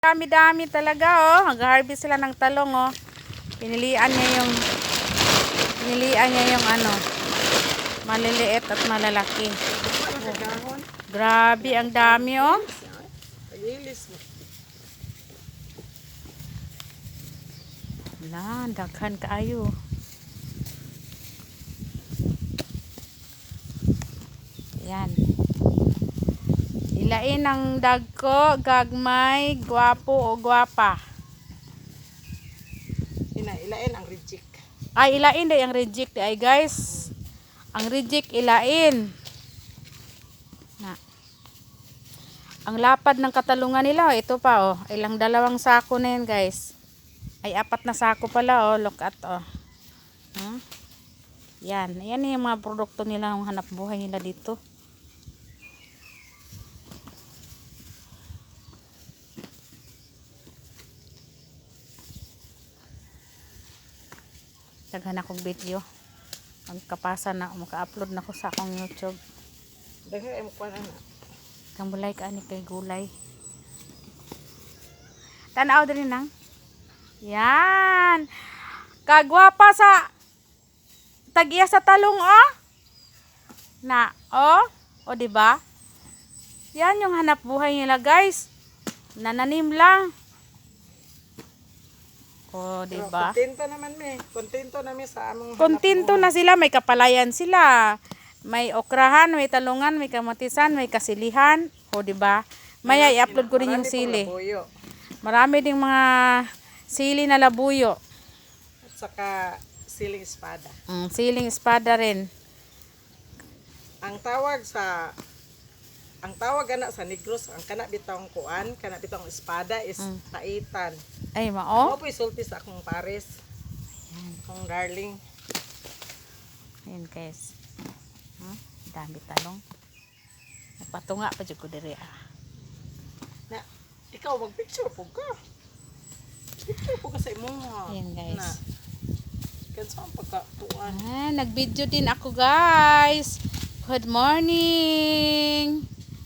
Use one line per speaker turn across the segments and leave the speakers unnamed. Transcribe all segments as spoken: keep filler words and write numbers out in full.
Dami-dami talaga oh. Nag-harvest sila ng talong oh. Pinilian niya yung pinilian niya yung ano, maliliit at malalaki. Oh. Grabe, ang dami oh. Wala, daghan kaayo. Yan. Ilain ang dagko, gagmay, gwapo o gwapa.
Ina, ilain ang reject.
Ay, ilain day ang reject ay guys. Ang reject ilain. Na. Ang lapad ng katalungan nila, oh, ito pa oh. Ilang dalawang sako na yan guys. Ay, apat na sako pala oh. Look at oh. Huh? Yan. Yan yung mga produkto nila, ang hanap buhay nila dito. Daghan akong video. Magkapasa na, maka-upload na ko sa akong YouTube.
Daghan mo pa na.
Kambulay ka ani kay gulay. Tanaw din nang. Yan. Kagwapa sa tagiya sa talong oh. Na, oh. O di ba? Yan yung hanap buhay nila, guys. Nananim lang. O, di ba?
Kontento naman me. Kontento namin sa among
Kontento na sila, may kapalayan sila. May okrahan, may talungan, may kamatisan, may kasilihan. O, di ba? Maya i-upload ko rin yung sili. Marami ding mga sili na labuyo.
At saka siling espada.
Mm, siling espada rin.
Ang tawag sa ang tawag ana sa Negros, ang kana bitong kuan, kana bitong espada is
Mm.
taitan.
Ay, mao.
Mo po isulti sa akong pares.
Ayan.
Akong darling.
Ayan, guys. Hmm? Dami talong. Nagpatunga pa dyan ko diri ah.
Na ikaw mag-picture po ka. Picture po ka sa imong.
Ayan, guys.
Na. Kansa ang pagkatuan.
Ah, nag-video din ako, guys. Good morning.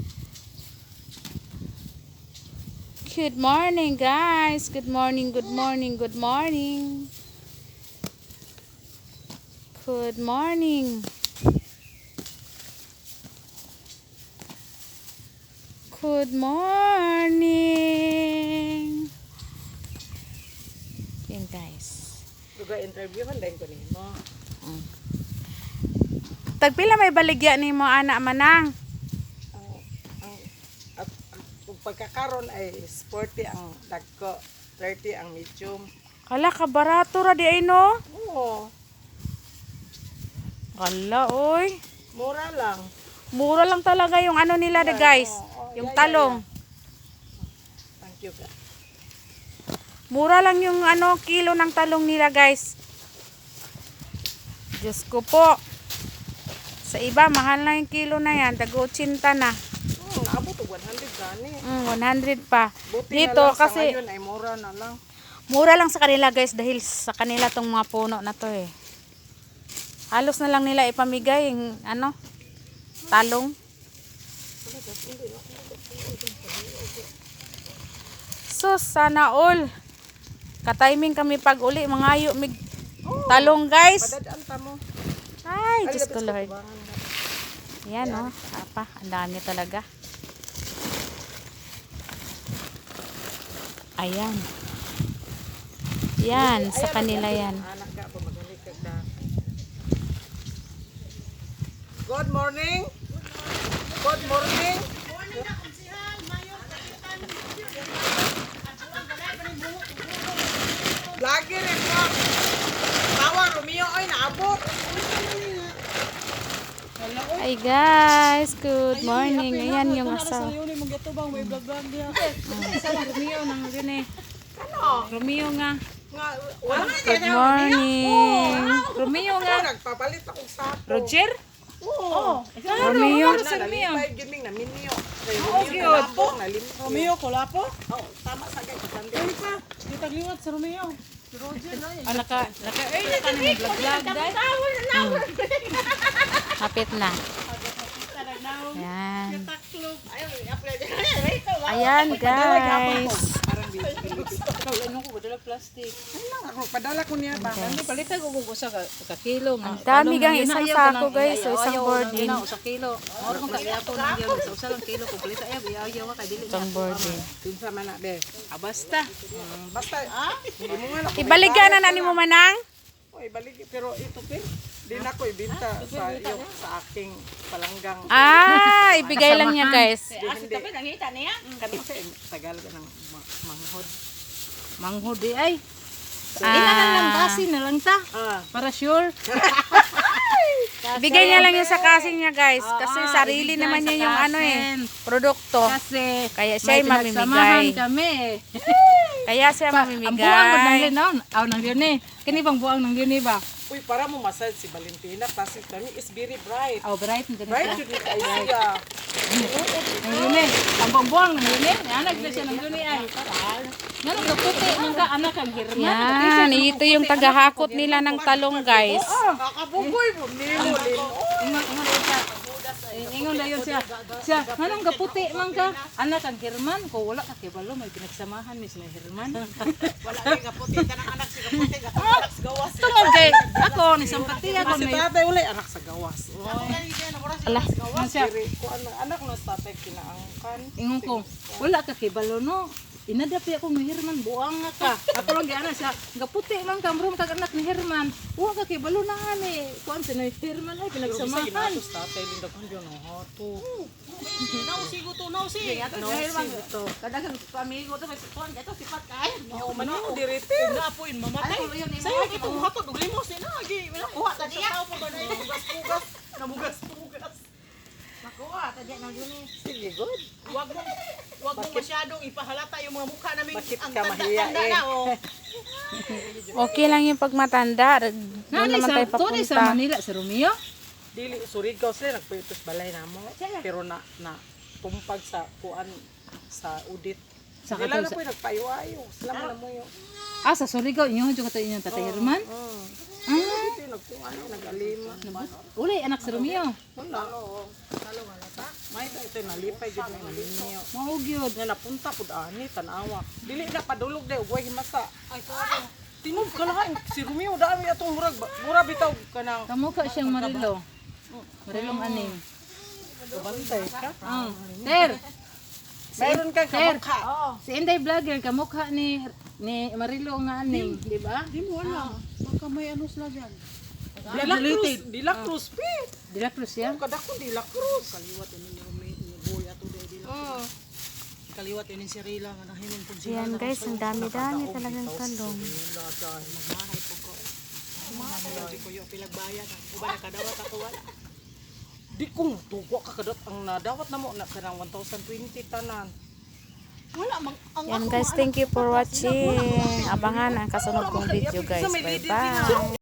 Good morning, guys. Good morning, good morning, good morning. Good morning. Good morning. Yan, guys.
Duga interviewhan din ko nimo.
Mm. Tagpila may baligya ni mo anak manang.
Ang ang at ang pagkakaron ay forty ang dagko, thirty ang medium.
Kala ka barato ra di ay no?
Oo,
Kala oy.
mura lang.
Mura lang talaga yung ano nila de guys.
Oo, oo,
Yung
yeah,
talong.
yeah, yeah. Thank you ka.
Mura lang yung ano kilo ng talong nila guys. Diyos ko po. Sa iba mahal na yung kilo na yan. Tag-eighty na.
Hmm, naabot og one hundred gani.
Mm, one hundred pa.
Buti
Dito
na lang
kasi
sa ngayon ay mura na lang.
mura lang sa kanila guys dahil sa kanila tong mga puno na to eh. Halos na lang nila ipamigay yung ano talong. So sana all ka-timing kami pag uli mangayo mig talong guys.
Padadaan ta mo.
Ay,
Ay,
Diyos ko
labis
Lord.
ka tubangan.
Yan oh, apa, ang dami talaga. Ayan. Yan, sa kanila yan.
Anak ka po magaling ka ka. Good morning. Good morning. Lagi rin po. Tawa Romeo ay naabot.
Hi guys, good morning. Ayan yung asawa. Romeo nang yun eh.
Ano?
Romeo nga.
Nga, wala
Good morning. Romeo nga.
Ako nagpapalit akong sapo.
Roger?
Oo.
Romeo.
Na, nalipay yun yung naminyo.
Okay,
Romeo na lapo, nalimyo.
Romeo, kulapo?
Oo, tama sa gay.
Ay pa, di tagliwat sa Romeo. Si Roger na
Ah, naka, naka, ay, naka nang vlog-vlog dahil. Hmm. Kapit na. Ayan. Ayan guys.
wala plastic.
Ay lang ako padala ko niya ba.
Hindi palitan ko kung usa ka, ka kilo.
Ang dami gang isang sako guys, so isang boarding.
Sa kilo. Oro kung kaya ko nang yun. Sa usa lang kilo kung palitan ay ayaw ka dili.
Isang boarding.
Pinsa man na be.
Ah, basta.
Mm, basta ah, hindi mo nga ako.
Ibalikan na nani mo manang?
Oy, balik pero ito pin. Di na ko ibenta sa iyo sa aking palanggang.
Ah, ibigay lang niya guys.
Hindi.
Nangita niya.
Kani sa Tagalog ng ma- manghod.
Manghudi ay.
Ah.
Inahan lang kasi na lang ta.
Ah,
Para sure.
Ibigay niya lang yun sa kasing niya guys. Kasi
Oo,
sarili
ibigay
naman
sa
niya yung ano eh.
kasin.
Produkto.
Kasi
Kaya siya ay
may pinagsamahan
mamimigay.
kami.
Kaya siya
Ang buwang ko nang
mamimigay.
linaw. Aw nang yun eh. Kini bang buwang nang yun eh ba?
uy para mo masad si Valentina kasi kami is very bright.
Aw bright na
Bright
siya.
yun ni kayo siya.
Nang yun eh. Ang buwang buwang nang yun eh. Anak na siya nang yun eh ay. Nga nang kaputi man ka anak ang hirman.
Yan, ito yung tagahakot nila ng talong guys.
Kakabugoy mo nimo lino.
Ingon ingon dayon siya. Ingon dayon siya. Siya, nganong gaputi man ka? Anak ang hirman ko wala ka kibalo may pinagsamahan ni sila hirman.
Wala kay kaputi tanang anak si kaputi anak sa gawas.
Tungod kay ako ni simpatiya ko
Si
may
tatay wala anak sa gawas.
Ala,
Ano siya?
Diri ko anak anak no sa tatay kinaangkan.
Ingon ko, wala ka kibalo no. Inadapi ako ni Herman, buang nga ka. Ako lang gana siya, gaputi man ka, bro, kag anak ni Herman. Buang ka kibalo na nga ni. Kuan si ni Herman ay pinagsamahan.
Ginatos tatay linda kun yo no hato.
Nausi ko to, nausi. Ato ni Herman to. Kadagang pamigo to, may kuan ito sipat kay.
Oh man mo direte.
Napoin mamatay.
Sayo kito hatod og limos na agi. Wala kuha ta diya. Pugas-pugas, namugas-pugas.
Makuha ta diya nang yun eh.
Sige good.
Wag mo wag mo masyadong ipahalata yung mga mukha namin
Bakit
ang
ka mahiya
tanda-tanda
eh?
na oh.
okay lang yung pagmatanda. Doon
Nani
naman
sa
tayo
tuloy sa
papunta.
Manila si Romeo.
Dili Surigao sila nagpuitos balay namo. Pero na na tumpag sa kuan sa udit.
Sa
Sa Dila na
katol-
po nagpayo-ayo. Sila mo na mo yo.
Ah, sa Surigao, inyo dyan ka inyong tatay Herman.
Mm.
Ah,
Dito nagtuan nag-alima.
ulay anak si Romeo.
Wala. May ito ito nalipay jud may nalinyo.
Maugyod.
Nga napunta pud ani tanawa. Dili na padulog day ugway himasa. Ay sorry. Tinog ka lang si Romeo dami atong murag mura bitaw kanang
Kamukha siyang Marilo. Marilong aning.
bantay ka.
Ah, Ter,
Mayroon kang
Ter.
kamukha.
Si Inday Vlogger, kamukha ni ni Marilo nga aning, di ba?
Di mo wala. Baka may ano sila diyan.
Dila Cruz, Dila Cruz pi.
Di la Cruz yan?
Kada ko Dila Cruz.
Kaliwat ini yung may boy ato day dila.
Oh.
Kaliwat ini si Rila nga nahinon pud siya.
Yan guys, ang dami-dami talagang talong.
Magmahay po ko. Magmahay ko yung pilagbayan. Uba nakadawat ako wala.
Di kong tuwa ka kadot ang nadawat na mo na kanang one thousand twenty tanan.
Wala mang ang
Yan guys, thank you for watching. Abangan ang kasunod kong video guys. Bye bye.